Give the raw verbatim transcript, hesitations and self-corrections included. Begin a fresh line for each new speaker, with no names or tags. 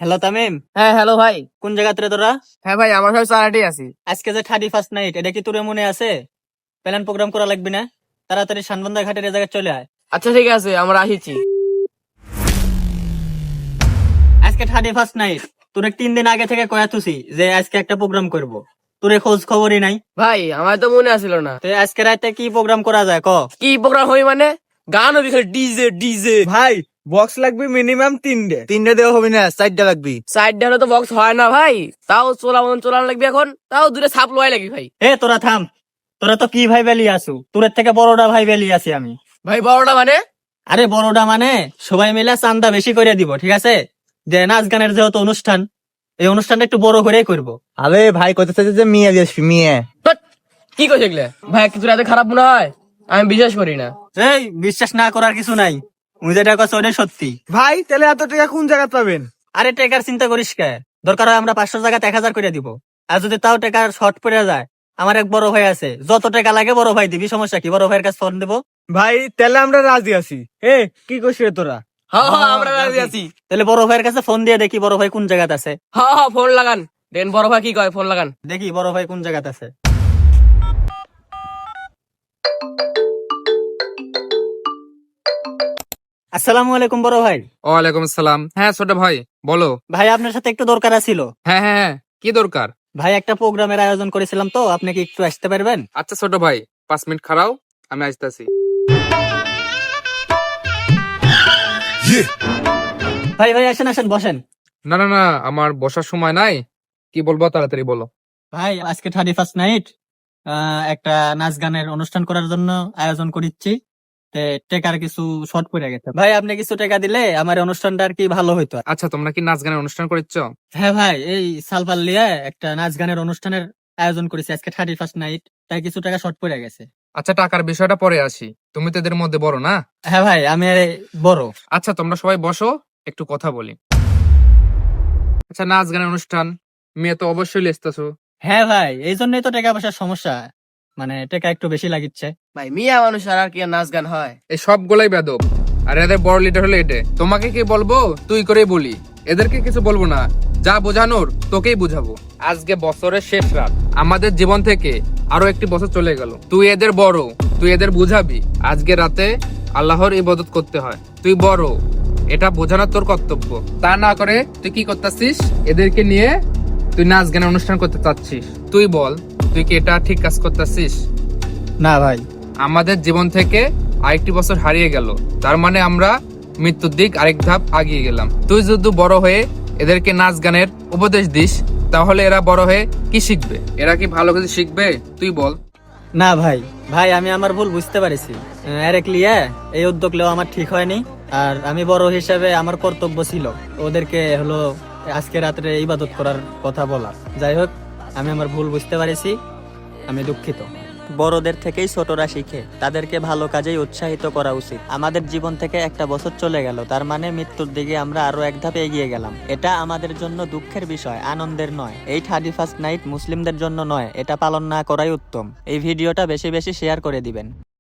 Hello Tamim,
হ্যাঁ hello ভাই।
কোন জায়গাতে রে তোরা?
হ্যাঁ ভাই, আমার সব চালাটি আছি।
আজকে যে থার্টি ফার্স্ট নাইট, এটা কি তোর মনে আছে? প্ল্যান প্রোগ্রাম করা লাগবে না? তাড়াতাড়ি শানবন্দা ঘাটের এ জায়গায় চলে আয়।
আচ্ছা ঠিক আছে, আমরা আসিছি।
আজকে থার্টি ফার্স্ট নাইট, তোর তিন দিন আগে থেকে কয়া তুছি যে আজকে একটা প্রোগ্রাম করব। তোর খোঁজ খবরই নাই।
ভাই আমার তো মনে আসিল না।
তো আজকে রাতে কি প্রোগ্রাম করা যায় ক?
কি প্রোগ্রাম হই মানে? গান হবে খালি, ডিজে ডিজে।
ভাই বক্স লাগবে মিনিমাম তিনটে তিনটে দেওয়া হবে না, চারটা লাগবে।
সাইড হলে তো বক্স হয় না ভাই, তাও চোলা মতন চলানো লাগবে এখন, তাও দূরে সাপ লোয়াই লাগবে ভাই।
এ তোরা থাম, তোরা তো কি ভাই বেলি আসু, তোর থেকে বড়টা ভাই বেলি আছি আমি।
ভাই বড়টা মানে?
আরে বড়টা মানে সবাই মিলে চান্দা বেশি করে দিব, ঠিক আছে? যে নাচ গানের যেহেতু অনুষ্ঠান, এই অনুষ্ঠানটা একটু বড় করেই করবো।
আরে ভাই কত চাইছে যে মিয়া দিয়ে আসবি মিয়া।
বাট, কি কইছে এগুলা? ভাই কিছু রাতে খারাপ মনে হয়? আমি বিশ্বাস করি না।
এই বিশ্বাস না করার কিছু নাই, উনি যেটা কথা ওটাই সত্যি।
ভাই তাহলে এত টাকা কোন জায়গা পাবেন?
আরে টেকার চিন্তা করিস কে, দরকার হয় আমরা পাঁচশো জায়গাতে এক হাজার করে দিব। আর যদি তাও টেকার শর্ট পড়ে যায়, আমার এক বড় ভাই আছে, যত টাকা লাগে বড় ভাই দিবি, সমস্যা কি? বড় ভাইয়ের কাছে ফোন দেবো।
ভাই তাহলে আমরা রাজি আছি। এ কি করছিস রে তোরা?
হ্যাঁ হ্যাঁ, আমরা রাজি আছি।
তাহলে বড় ভাইয়ের কাছে ফোন দিয়ে দেখি বড় ভাই কোন জায়গাতে আছে।
হ্যাঁ হ্যাঁ, ফোন লাগান। দেন বড় ভাই কি কয়, ফোন লাগান।
দেখি বড় ভাই কোন জায়গাতে আছে। আসসালামু আলাইকুম বড় ভাই।
ওয়ালাইকুম আসসালাম। হ্যাঁ ছোট ভাই, বলো।
ভাই আপনার সাথে একটু দরকার ছিল।
হ্যাঁ হ্যাঁ হ্যাঁ, কি দরকার?
ভাই একটা প্রোগ্রামের আয়োজন করেছিলাম, তো আপনি কি একটু আসতে পারবেন?
আচ্ছা ছোট ভাই, পাঁচ মিনিট খাড়াও, আমি আসতেছি।
ভাই ভাই আসেন আসেন, বসেন।
না না না, আমার বসার সময় নাই। কি বলবো তাড়াতাড়ি বলো।
ভাই আজকে থার্টি ফার্স্ট নাইট, একটা নাচ গানের অনুষ্ঠান করার জন্য আয়োজন করিচ্ছি। তে টেকার কিছু শর্ট পড়ে গেছে, ভাই আপনি কিছু টাকা দিলে আমার এই অনুষ্ঠানটা আর কি ভালো হইতো।
আচ্ছা, তোমরা কি নাচ গানের অনুষ্ঠান করেছ?
হ্যাঁ ভাই, এই সালপাল লিয়ে একটা নাচ গানের অনুষ্ঠানের আয়োজন করেছি আজকে থার্টি ফার্স্ট নাইট, তাই কিছু টাকা শর্ট পড়ে গেছে।
আচ্ছা, টাকার বিষয়টা পরে আসি। তুমি তো এদের মধ্যে বড় না?
হ্যাঁ ভাই, আমি বড়।
আচ্ছা, তোমরা সবাই বসো, একটু কথা বলি। আচ্ছা, নাচ গানের অনুষ্ঠান, মেয়ে তো অবশ্যই লেসতেছো।
হ্যাঁ ভাই, এই জন্যই তো টাকা পয়সার সমস্যা, মানে টাকা একটু বেশি লাগিচ্ছে।
ভাই মিয়া মানুষ আর কি আর নাচ গান হয়?
এই সবগুলাই বেদব। আর এদের বড় লিডার হলো এটে। তোমাকে কি বলবো তুই করেই বলি, এদেরকে কিছু বলবো না। যা বোঝানোর তোকেই বুঝাবো। আজকে বছরের শেষ রাত, আমাদের জীবন থেকে আরো একটি বছর চলে গেল। তুই এদের বড়, তুই এদের বুঝাবি আজকে রাতে আল্লাহর ইবাদত করতে হয়। তুই বড়, এটা বোঝানোর তোর কর্তব্য। তা না করে তুই কি করতেছিস? এদেরকে নিয়ে তুই নাচ গানের অনুষ্ঠান করতে চাচ্ছিস। তুই বল, তুই কি এটা ঠিক কাজ করতেছিস?
না ভাই,
আমাদের জীবন থেকে আরেকটি বছর হারিয়ে গেল, তার মানে আমরা মৃত্যুর দিক আরেক ধাপ আগিয়ে গেলাম। তুই যদি বড় হয়ে এদেরকে নাচ গানের উপদেশ দিস, তাহলে এরা বড় হয়ে কি শিখবে? এরা কি ভালো কিছু শিখবে? তুই বল।
না ভাই, ভাই আমি আমার ভুল বুঝতে পারছি। আরেক লিয়ে এই উদ্যোগ নেওয়া আমার ঠিক হয়নি। আর আমি বড় হিসেবে আমার কর্তব্য ছিল ওদেরকে হলো আজকে রাত্রে ইবাদত করার কথা বলা। যাই হোক, আমি আমার ভুল বুঝতে পারছি, আমি দুঃখিত। বড়দের থেকেই ছোটরা শিখে, তাদেরকে ভালো কাজেই উৎসাহিত করা উচিত। আমাদের জীবন থেকে একটা বছর চলে গেল, তার মানে মৃত্যুর দিকে আমরা আরো এক ধাপ এগিয়ে গেলাম। এটা আমাদের জন্য দুঃখের বিষয়, আনন্দের নয়। এই থার্টি ফার্স্ট নাইট মুসলিমদের জন্য নয়, এটা পালন না করাই উত্তম। এই ভিডিওটা বেশি বেশি শেয়ার করে দিবেন।